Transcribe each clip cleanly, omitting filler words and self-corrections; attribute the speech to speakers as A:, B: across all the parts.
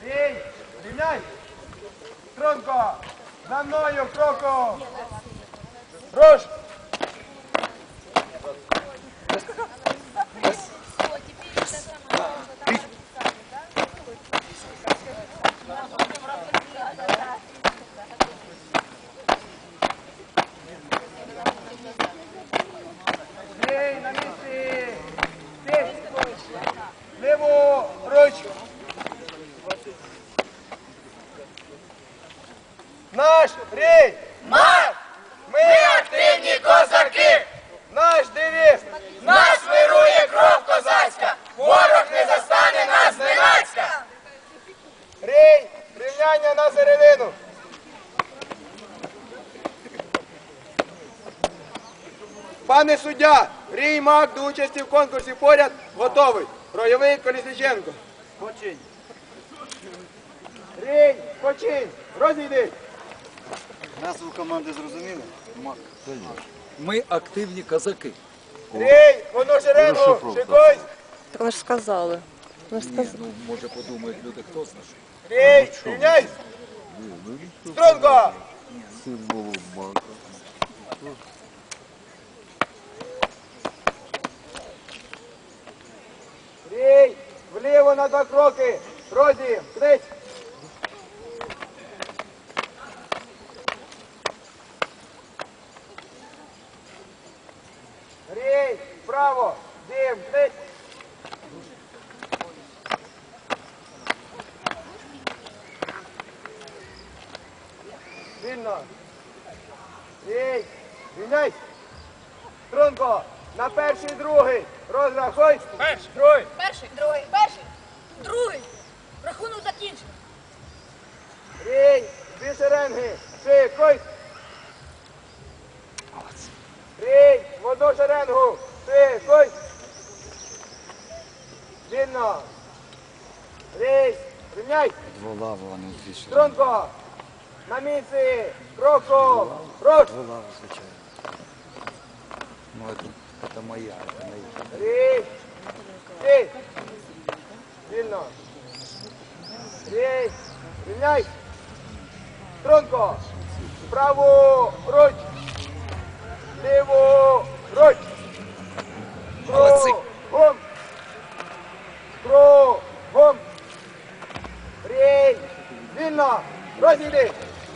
A: Рій, рівняй. Струнко. За мною кроком. Руш. Рій, на місці. Ти. Ліву ручку. Наш рій!
B: Марш! Ми активні козаки!
A: Наш девіз!
B: Нас вирує кров козацька! Ворог не застане нас зненацька!
A: Рій! Рівняння на середину! Пане суддя, Рій Мак до участі в конкурсі поряд готовий. Ройовий Колісниченко. Починь. Рій, починь. Розійди.
C: Назву команди зрозуміли?
D: Ми активні козаки.
A: Рій, воно шеренгу, шикуйсь.
E: Так ви ж сказали. Ви ж сказали.
D: Ну, може подумають люди, хто знає.
A: Рій, рівняйсь. Струнко. Рій, вліво на 2 кроки. Розі, крить. Рій, вправо, дим, крить. Вільно. Рій, рівняйсь. Струнко, на перший, другий. Розрахуй.
B: Перший.
A: Другий.
F: Перший, другий, перший, другий. Рахунок закінчено.
A: Рій, 2 шеренги. Шикуй. Рій, в 1 шеренгу. Шикуй. Вільно. Рій, рівняй.
C: Дволава, вони звичайно.
A: Струнко, на місці. Кроку. Руш.
C: Дволава, звичайно. Ну, це моя, це моя.
A: Рій, стій. Вільно. Рій, рівняй. Струнко, праву руч. Ліву руч.
D: Молодці.
A: Кругом. Кругом. Рій, вільно. Розійди.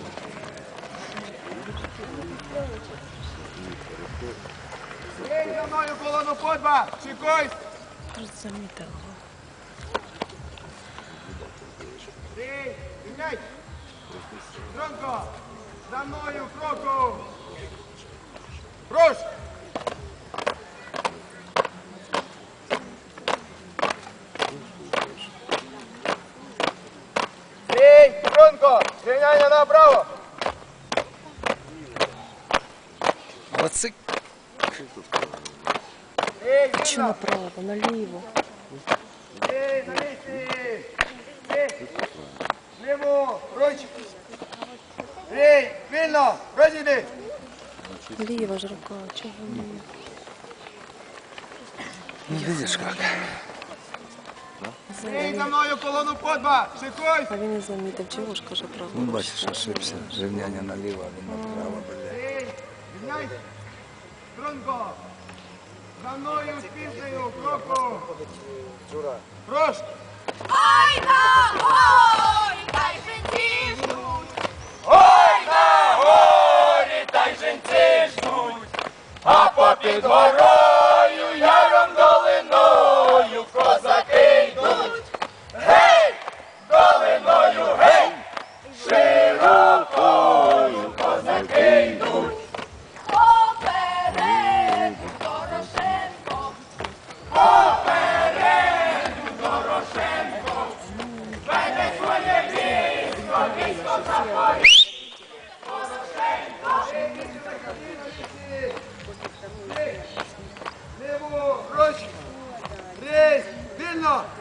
A: Рій, за мною колону по 2. Шикуйсь.
E: Замітила.
A: Рій, рівняй. Струнко, за мною кроку. Руш. Рій, Струнко, рівняння направо.
D: Молодці.
A: Рій,
E: Чи
A: вільно.
E: направо, наліво?
A: Рій, на місці. Рій, ліву, руч. Рій, вільно, розійди.
E: Ліва ж рука, чого ні?
D: Ну, видиш як.
A: Рій, за мною колону по 2. Шикуйсь.
E: А він не замітив, чого ж каже право?
C: Ну, бачиш, ошибся. Рівняння наліво, а він направо, бля.
A: Рій, рівняй. Струнко, за мною спізнею кроку. Руш.
F: Ой, на горі, та й жінці ждуть.
B: Ой, на горі та й жінці ждуть, а попід горою яром долиною козаки йдуть. Гей, долиною, гей, широкою козаки йдуть.
F: Попереду Дорошенко,
B: Попереду Дорошенко, веде своє військо, військо Запоріжжя.
A: Ліву руч. Рій, вільно.